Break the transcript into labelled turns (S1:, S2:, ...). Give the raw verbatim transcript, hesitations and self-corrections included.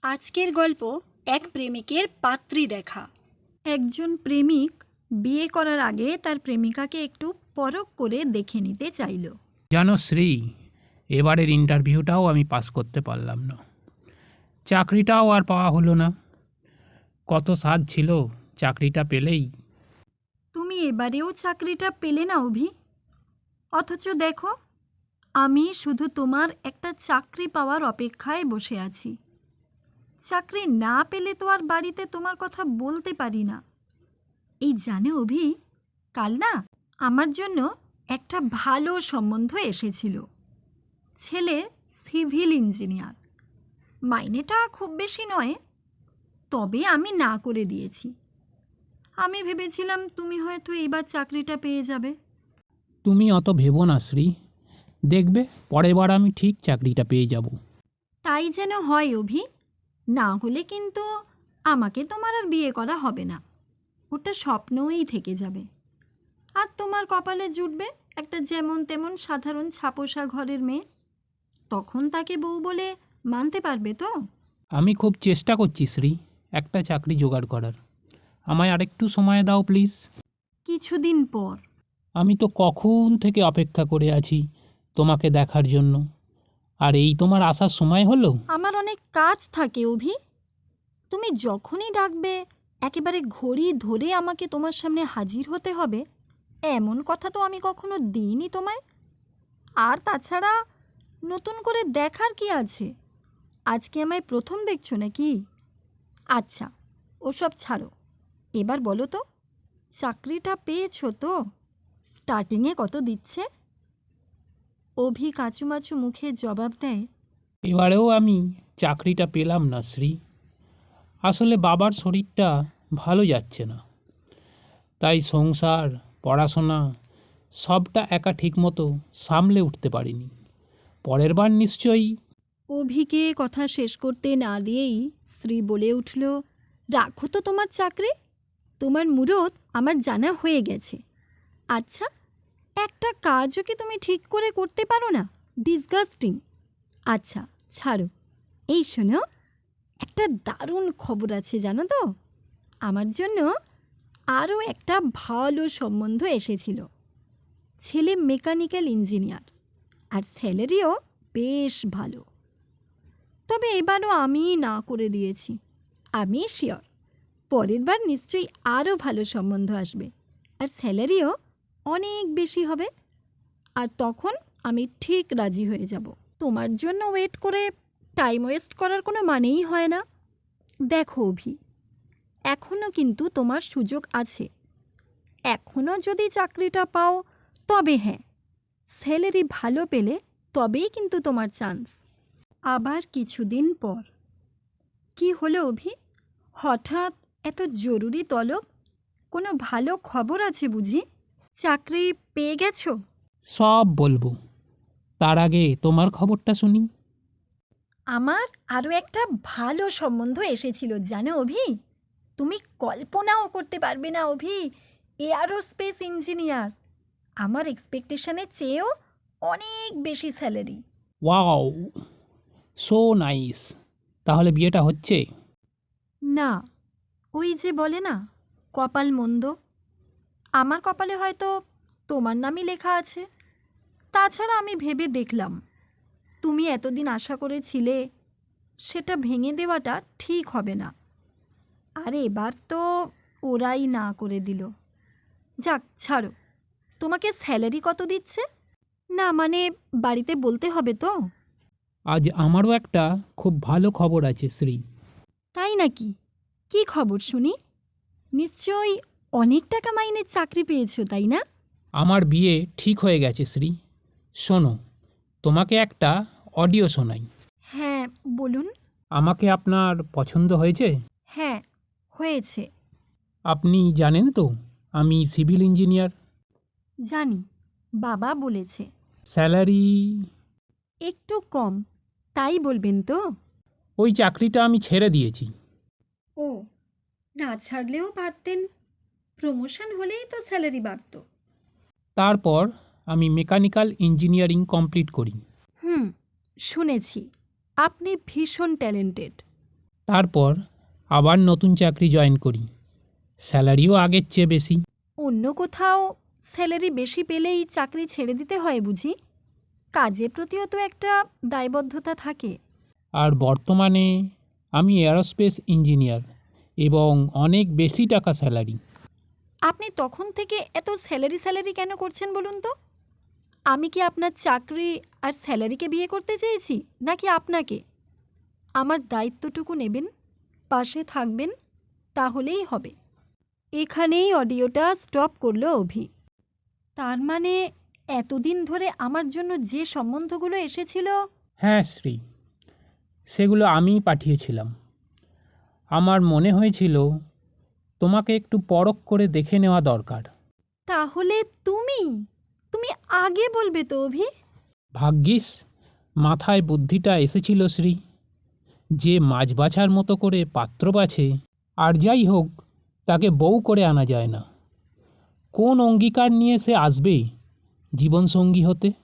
S1: আজকের গল্প এক প্রেমিকের পাত্রী দেখা।
S2: একজন প্রেমিক বিয়ে করার আগে তার প্রেমিকাকে একটু পরখ করে দেখে নিতে চাইল।
S3: জানো শ্রী, এবারের ইন্টারভিউটাও আমি পাস করতে পারলাম না। চাকরিটাও আর পাওয়া হলো না। কত সাধ ছিল চাকরিটা পেলেই।
S2: তুমি এবারেও চাকরিটা পেলে না অভি। অথচ দেখো, আমি শুধু তোমার একটা চাকরি পাওয়ার অপেক্ষায় বসে আছি। চাকরি না পেলে তো আর বাড়িতে তোমার কথা বলতে পারি না। এই জানো অভি, কাল না আমার জন্য একটা ভালো সম্বন্ধ এসেছিল। ছেলে সিভিল ইঞ্জিনিয়ার, মাইনেটা খুব বেশি নয়, তবে আমি না করে দিয়েছি। আমি ভেবেছিলাম তুমি হয়তো এইবার চাকরিটা পেয়ে যাবে।
S3: তুমি অত ভেবো না শ্রী, দেখবে পরের বার আমি ঠিক চাকরিটা পেয়ে যাব।
S2: তাই যেন হয় অভি, না হলে কিন্তু আমাকে তোমার আর বিয়ে করা হবে না। ওটা স্বপ্নই থেকে যাবে। আর তোমার কপালে জুটবে একটা যেমন তেমন সাধারণ ছাপোষা ঘরের মেয়ে। তখন তাকে বউ বলে মানতে পারবে তো?
S3: আমি খুব চেষ্টা করছি শ্রী, একটা চাকরি জোগাড় করার। আমায় আরেকটু সময় দাও প্লিজ।
S2: কিছুদিন পর।
S3: আমি তো কখন থেকে অপেক্ষা করে আছি তোমাকে দেখার জন্য, আর এই তোমার আসার সময় হলো।
S2: আমার অনেক কাজ থাকে অভি। তুমি যখনই ডাকবে একেবারে ঘড়ি ধরে আমাকে তোমার সামনে হাজির হতে হবে, এমন কথা তো আমি কখনো দিইনি তোমায়। আর তাছাড়া নতুন করে দেখার কি আছে? আজকে আমায় প্রথম দেখছো নাকি? আচ্ছা, ওসব ছাড়ো। এবার বলো তো, চাকরিটা পেয়েছো তো? স্টার্টিংয়ে কত দিচ্ছে? অভি কাঁচুমাচু মুখে জবাব দেয়,
S3: এবারেও আমি চাকরিটা পেলাম না শ্রী। আসলে বাবার শরীরটা ভালো যাচ্ছে না, তাই সংসার পড়াশোনা সবটা একা ঠিকমতো সামলে উঠতে পারিনি। পরের বার নিশ্চয়ই।
S2: অভিকে কথা শেষ করতে না দিয়েই শ্রী বলে উঠল, রাখো তো তোমার চাকরি। তোমার মুরত আমার জানা হয়ে গেছে। আচ্ছা, একটা কাজও কি তুমি ঠিক করে করতে পারো না? ডিসগাস্টিং। আচ্ছা ছাড়ো, এই শোনো, একটা দারুণ খবর আছে জানো তো। আমার জন্য আরও একটা ভালো সম্বন্ধ এসেছিল। ছেলে মেকানিক্যাল ইঞ্জিনিয়ার, আর স্যালারিও বেশ ভালো। তবে এবারও আমি না করে দিয়েছি। আমি শিওর পরের বার নিশ্চয়ই আরও ভালো সম্বন্ধ আসবে, আর স্যালারিও অনেক বেশি হবে। আর তখন আমি ঠিক রাজি হয়ে যাব। তোমার জন্য ওয়েট করে টাইম ওয়েস্ট করার কোনো মানেই হয় না। দেখো অভি, এখনও কিন্তু তোমার সুযোগ আছে। এখনও যদি চাকরিটা পাও তবে হ্যাঁ, স্যালারি ভালো পেলে তবেই কিন্তু তোমার চান্স। আবার কিছুদিন পর। কি হলো অভি, হঠাৎ এত জরুরি তলব? কোনো ভালো খবর আছে বুঝি? চাকরি পেয়ে গেছো?
S3: সব বলবো, তার আগে তোমার খবরটা শুনি।
S2: আমার আরও একটা ভালো সম্বন্ধ এসেছিল জানো অভি। তুমি কল্পনাও করতে পারবে না অভি, এয়ারোস্পেস ইঞ্জিনিয়ার। আমার এক্সপেকটেশনের চেয়েও অনেক বেশি স্যালারি।
S3: Wow, so nice. তাহলে বিয়েটা হচ্ছে?
S2: না, ওই যে বলে না, কপাল মন্দ। আমার কপালে হয়তো তোমার নামই লেখা আছে। তাছাড়া আমি ভেবে দেখলাম, তুমি এতদিন আশা করেছিলে, সেটা ভেঙে দেওয়াটা ঠিক হবে না। আর এবার তো ওরাই না করে দিল। যাক ছাড়ো, তোমাকে স্যালারি কত দিচ্ছে? না মানে বাড়িতে বলতে হবে তো?
S3: আজ আমারও একটা খুব ভালো খবর আছে শ্রী।
S2: তাই নাকি? কি খবর শুনি? নিশ্চয়ই অনেক টাকা মাইনের চাকরি পেয়েছো, তাই না?
S3: আমার বিয়ে ঠিক হয়ে গেছে শ্রী। শোনো, তোমাকে একটা অডিও শোনাই।
S2: হ্যাঁ বলুন।
S3: আমাকে আপনার পছন্দ হয়েছে?
S2: হ্যাঁ হয়েছে।
S3: আপনি জানেন তো আমি সিভিল ইঞ্জিনিয়ার।
S2: জানি, বাবা বলেছে।
S3: স্যালারি?
S2: একটু কম, তাই বলবেন তো?
S3: ওই চাকরিটা আমি ছেড়ে দিয়েছি।
S2: ও, না ছাড়লেও পারতেন। প্রমোশন হলেই তো স্যালারি বাড়ত।
S3: তারপর আমি মেকানিক্যাল ইঞ্জিনিয়ারিং কমপ্লিট করি।
S2: হুম, শুনেছি আপনি ভীষণ ট্যালেন্টেড।
S3: তারপর আবার নতুন চাকরি জয়েন করি, স্যালারিও আগের চেয়ে বেশি।
S2: অন্য কোথাও স্যালারি বেশি পেলেই চাকরি ছেড়ে দিতে হয় বুঝি? কাজের প্রতিও তো একটা দায়বদ্ধতা থাকে।
S3: আর বর্তমানে আমি এরোস্পেস ইঞ্জিনিয়ার এবং অনেক বেশি টাকা স্যালারি।
S2: আপনি তখন থেকে এত স্যালারি স্যালারি কেন করছেন বলুন তো? আমি কি আপনার চাকরি আর স্যালারিকে বিয়ে করতে চেয়েছি, নাকি আপনাকে? আমার দায়িত্বটুকু নেবেন, পাশে থাকবেন, তাহলেই হবে। এখানেই অডিওটা স্টপ করলো অভি। তার মানে এতদিন ধরে আমার জন্য যে সম্বন্ধগুলো এসেছিল,
S3: হ্যাঁ শ্রী, সেগুলো আমিই পাঠিয়েছিলাম। আমার মনে হয়েছিল তোমাকে একটু পরখ করে দেখে নেওয়া দরকার।
S2: তাহলে তুমি তুমি আগে বলবে তো অভি।
S3: ভাগ্যিস মাথায় বুদ্ধিটা এসেছিল শ্রী। যে মাছ বাছার মতো করে পাত্র বাছে, আর যাই হোক তাকে বউ করে আনা যায় না। কোন অঙ্গীকার নিয়ে সে আসবে জীবনসঙ্গী হতে?